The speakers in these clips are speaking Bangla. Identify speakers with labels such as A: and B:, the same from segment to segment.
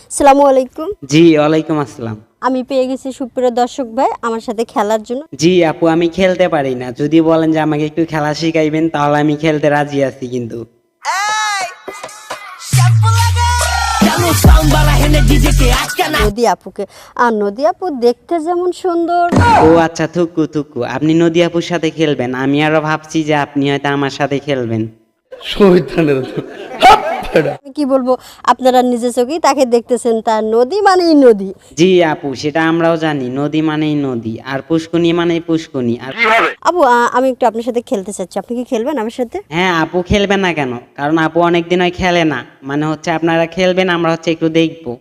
A: আসসালামু আলাইকুম।
B: জি ওয়ালাইকুম আসসালাম।
A: আমি পেয়ে গেছি সুপ্রিয় দর্শক ভাই আমার সাথে খেলার জন্য।
B: জি আপু, আমি খেলতে পারি না, যদি বলেন যে আমাকে একটু খেলা শিখাইবেন তাহলে আমি খেলতে রাজি আছি। কিন্তু
A: নদী আপুকে, আর নদী আপু দেখতে যেমন সুন্দর।
B: ও আচ্ছা, থুকু থুকু, আপনি নদী আপুর সাথে খেলবেন। আমি আরো ভাবছি যে আপনি হয়তো আমার সাথে খেলবেন।
A: আমি কি বলবো, আপনারা নিজে চোখেই তাকে দেখতেছেন, তার নদী মানেই নদী।
B: জি আপু, সেটা আমরাও জানি, নদী মানেই নদী, আর পুষ্কুনি মানেই পুষ্কুনি। আর
A: আপু আমি একটু আপনার সাথে খেলতে চাচ্ছি, আপনি কি খেলবেন আমার সাথে?
B: হ্যাঁ আপু, খেলবেন না কেন? কারণ আপু অনেকদিন হয় খেলে না, মানে হচ্ছে আপনারা খেলবেন, আমরা হচ্ছে একটু দেখবো।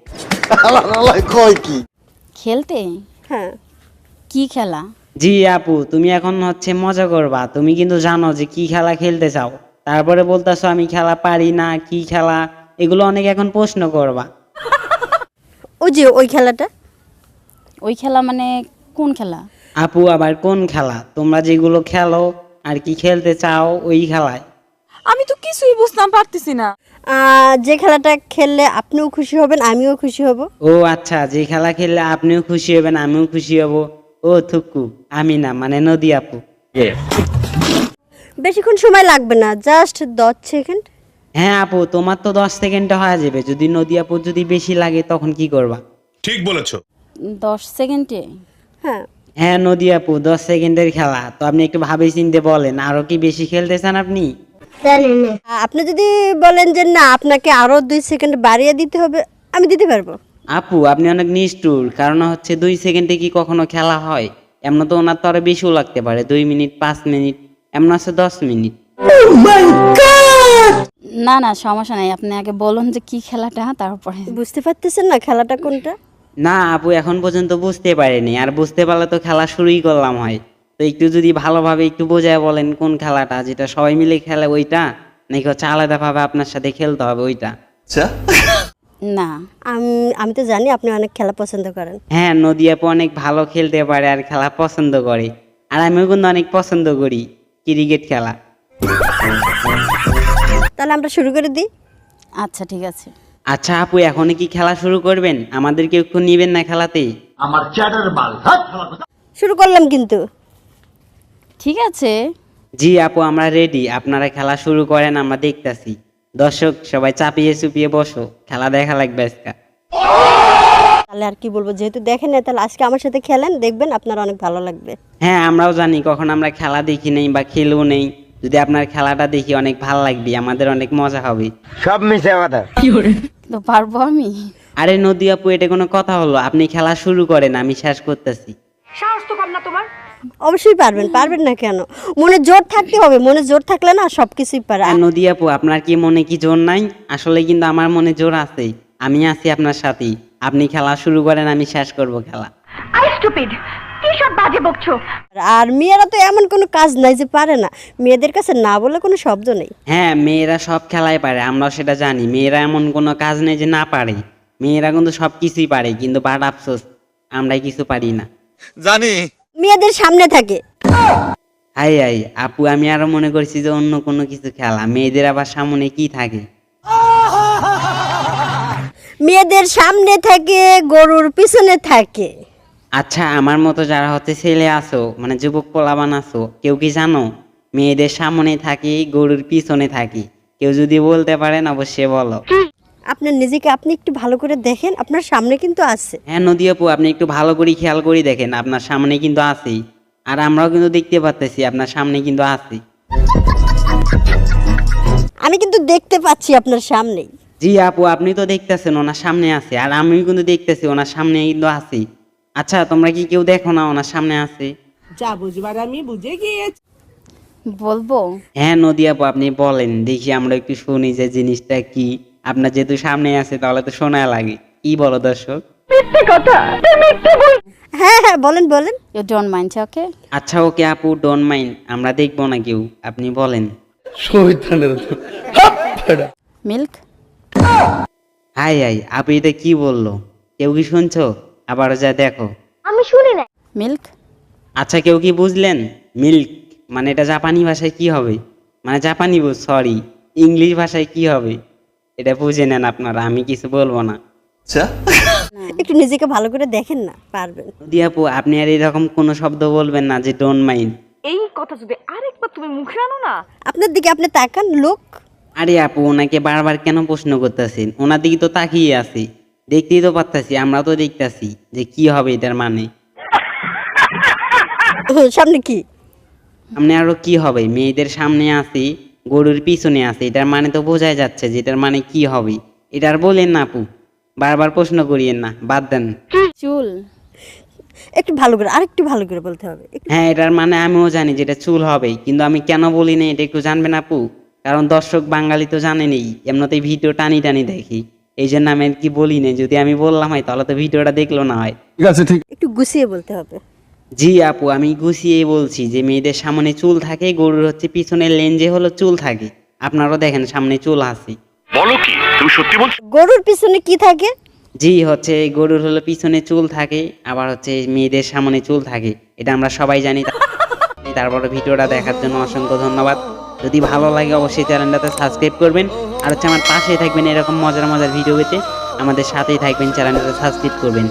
C: খেলতে?
A: হ্যাঁ।
C: কি খেলা?
B: জি আপু, তুমি এখন হচ্ছে মজা করবা, তুমি কিন্তু জানো যে কি খেলা খেলতে চাও, তারপরে বলতেছো আমি খেলা পারি না, কি খেলা, এগুলো অনেক এখন প্রশ্ন করবা।
A: ওই যে ওই খেলাটা।
C: ওই খেলা মানে কোন খেলা?
B: আপু আবার কোন খেলা? তোমরা যেগুলো খেলো আর কি খেলতে চাও ওই খেলায়।
D: আমি তো কিছুই বুঝতাম পারতেছি না।
A: যে খেলাটা খেললে আপনিও খুশি হবেন আমিও খুশি হব।
B: ও আচ্ছা, যে খেলা খেললে আপনিও খুশি হবেন আমিও খুশি হব। ও থুকু, আমি না, মানে নদী আপু।
A: বেশিক্ষণ সময় লাগবে না, জাস্ট 10 সেকেন্ড।
B: হ্যাঁ আপু, তোমার তো 10 সেকেন্ডে হয়ে যাবে। যদি নদী আপু যদি বেশি লাগে তখন কি করবা?
E: ঠিক বলেছো।
C: 10 সেকেন্ডে?
A: হ্যাঁ।
B: হ্যাঁ নদী আপু, 10 সেকেন্ডের খেলা তো, আপনি একটু ভাবে চিনতে বলেন, আরো কি বেশি খেলতে চান আপনি?
A: আপনি যদি বলেন যে না আপনাকে আরো 2 সেকেন্ড বাড়িয়ে দিতে হবে, আমি দিতে পারবো।
B: আপু আপনি অনেক নিষ্ঠুর, কারণ হচ্ছে 2 সেকেন্ডে কি কখনো খেলা হয়? এমন তো ওনার তো আরো বেশিও লাগতে পারে, 2 মিনিট, 5 মিনিট, এমন আছে 10 মিনিট।
C: না না, সমস্যা নাই, আপনি আগে বলুন যে কি খেলাটা, তারপরে।
A: বুঝতে পারতেছেন না খেলাটা কোনটা?
B: না আপু, এখন পর্যন্ত বুঝতে পারিনি, আর বুঝতে পারলে তো খেলা শুরুই করলাম হয়। তো একটু যদি ভালোভাবে একটু বোঝায় বলেন কোন খেলাটা, যেটা সবাই মিলে খেলে ওইটা, নাকি হচ্ছে আলাদাভাবে আপনার সাথে খেলতে হবে ওইটা?
C: না।
A: আমি তো জানি আপনি অনেক খেলা পছন্দ করেন।
B: হ্যাঁ, নদী আপু অনেক ভালো খেলতে পারে আর খেলা পছন্দ করে, আর আমিও কিন্তু অনেক পছন্দ করি ক্রিকেট খেলা।
A: তাহলে আমরা শুরু করে দিই।
C: আচ্ছা ঠিক আছে।
B: আচ্ছা আপু, এখনই কি খেলা শুরু করবেন? আমাদেরকে একটু নিবেন না খেলাতে?
A: শুরু করলাম কিন্তু।
C: ঠিক আছে।
B: জি আপু, আমরা রেডি, আপনারা খেলা শুরু করেন, আমরা দেখতাছি। দর্শক সবাই চাপিয়ে চুপিয়ে বসো, খেলা দেখা লাগবে আজকে।
A: তাহলে আর কি বলবো, যেহেতু দেখেন না তাহলে আজকে আমার সাথে খেলেন, দেখবেন আপনার অনেক ভালো লাগবে।
B: হ্যাঁ, আমরাও জানি কখন আমরা খেলা দেখি নেই বা খেলেও নেই, যদি আপনার খেলাটা দেখি অনেক ভালো লাগবে, আমাদের অনেক মজা হবে।
F: সব মিশে কথা।
C: তো পারবো আমি?
B: আরে নদী আপু, এটা কোনো কথা হলো? আপনি খেলা শুরু করেন, আমি শেষ করতেছি।
A: অবশ্যই পারবেন, পারবেন না কেন? মনে জোর থাকতে হবে, মনে জোর থাকলে না সবকিছুই পারে।
B: আর নদী আপু, আপনার কি মনে কি জোর নাই? আসলে কিন্তু আমার মনে জোর আছে, আমি আছি আপনার সাথেই। আপনি খেলা শুরু করেন, আমি শেষ করব খেলা।
A: আর মেয়েরা তো এমন কোনো কাজ নাই যে পারে না, মেয়েদের কাছে না বলে কোনো শব্দ নেই।
B: হ্যাঁ, মেয়েরা সব খেলাই পারে, আমরাও সেটা জানি। মেয়েরা এমন কোনো কাজ নেই যে না পারে, মেয়েরা কিন্তু সব কিছুই পারে, কিন্তু বাট আফসোস আমরাই কিছু পারি না।
E: জানি।
A: মেয়েদের সামনে থাকে।
B: হাই হাই আপু, আমি আরো মনে করছি যে অন্য কোনো কিছু খেলা, মেয়েদের আবার সামনে কি থাকে?
A: মেয়েদের সামনে থাকে, গরুর পিছনে থাকে।
B: আচ্ছা, আমার মতো যারা হচ্ছে ছেলে আছো, মানে যুবক পোলাবান আছো, কেউ কি জানো মেয়েদের সামনে থাকি গরুর পিছনে থাকি? কেউ যদি বলতে পারেন অবশ্যই বলো।
A: আপনার নিজেকে আপনি একটু ভালো করে দেখেন, আপনার সামনে কিন্তু আছে।
B: হ্যাঁ নদী আপু, আপনি একটু ভালো করে খেয়াল করে দেখেন, আপনার সামনে কিন্তু আছেই, আর আমরাও কিন্তু দেখতে পাচ্ছি আপনার সামনে কিন্তু আছি।
A: আমি কিন্তু দেখতে পাচ্ছি আপনার সামনেই।
B: জি আপু, আপনি তো দেখতেছেন ওনার সামনে আছে, আর আমিও কিন্তু দেখতেছি ওনার সামনে কিন্তু আছি। আচ্ছা, তোমরা কি কেউ দেখো না ওনার সামনে আছে?
D: যা বুঝবার আমি বুঝে গিয়েছি।
C: বলবো?
B: হ্যাঁ নদী আপু, আপনি বলেন দেখি, আমরা একটু শুনি যে জিনিসটা কি। আপনার যেহেতু সামনে আছে তাহলে তো শোনা লাগে। কি বলো দর্শক?
A: হ্যাঁ হ্যাঁ, বলেন বলেন।
C: You don't mind? ওকে।
B: আচ্ছা ওকে আপু, ডোন্ট মাইন্ড, আমরা দেখবো না কেউ, আপনি বলেন।
C: মিল্ক।
B: হাই হাই আপু, এটা কি বললো? কেউ কি শুনছো? আবারও যা দেখো।
C: মিল্ক।
B: আচ্ছা, কেউ কি বুঝলেন? মিল্ক মানে এটা জাপানি ভাষায় কি হবে? মানে জাপানি, সরি, ইংলিশ ভাষায় কি হবে এটা বুঝে নেন আপনারা, আমি কিছু বলবো না।
A: একটু নিজেকে ভালো করে দেখেন না, পারবেন।
B: নদী আপু আপনি আর এরকম কোনো শব্দ বলবেন না যে ডোন্ট মাইন্ড।
D: এই কথা যদি আরেকবার তুমি মুখে আনো না।
A: আপনার দিকে আপনি তাকান, লোক।
B: আরে আপু ওনাকে বারবার কেন প্রশ্ন করতেছেন? ওনার দিকে তো তাকিয়ে আছি, দেখতেই তো পারতাছি, আমরা তো দেখতাছি যে কি হবে এটার মানে।
A: সামনে কি?
B: সামনে আরো কি হবে? মেয়েদের সামনে আছি, গরুর পিছনে আছে, এটার মানে তো বোঝাই যাচ্ছে যে এটার মানে কি হবে। এটার বলেন না আপু, বারবার প্রশ্ন করিয়েন না, বাদ দেন।
C: চুল।
A: একটু ভালো করে, আরেকটু ভালো করে বলতে হবে।
B: হ্যাঁ এটার মানে আমিও জানি যেটা চুল হবে, কিন্তু আমি কেন বলি না এটা একটু জানবেন আপু? কারণ দর্শক বাঙালি তো জানেনই, এমনিতেই ভিডিও টানি টানি দেখি, এই জন্য আমি আর কি বলি না। যদি আমি বললাম হয় তাহলে তো ভিডিওটা দেখলো না হয়।
A: একটু গুছিয়ে বলতে হবে।
B: জি আপু আমি গুছিয়ে বলছি যে মেয়েদের সামনে চুল থাকে, গরুর হচ্ছে পিছনের লেঞ্জে হলো চুল থাকে। আপনারাও দেখেন সামনে চুল আছে।
E: বলো কি তুমি সত্যি বলছো?
A: গরুর পিছনে কি থাকে?
B: জি হচ্ছে গরুর হলো পিছনে চুল থাকে, আবার হচ্ছে মেয়েদের সামনে চুল থাকে, এটা আমরা সবাই জানি। তারপরে ভিডিওটা দেখার জন্য অসংখ্য ধন্যবাদ। যদি ভালো লাগে অবশ্যই চ্যানেলটাতে সাবস্ক্রাইব করবেন, আর হচ্ছে আমার পাশে থাকবেন এরকম মজার মজার ভিডিও পেতে। আমাদের সাথেই থাকবেন, চ্যানেলটাতে সাবস্ক্রাইব করবেন।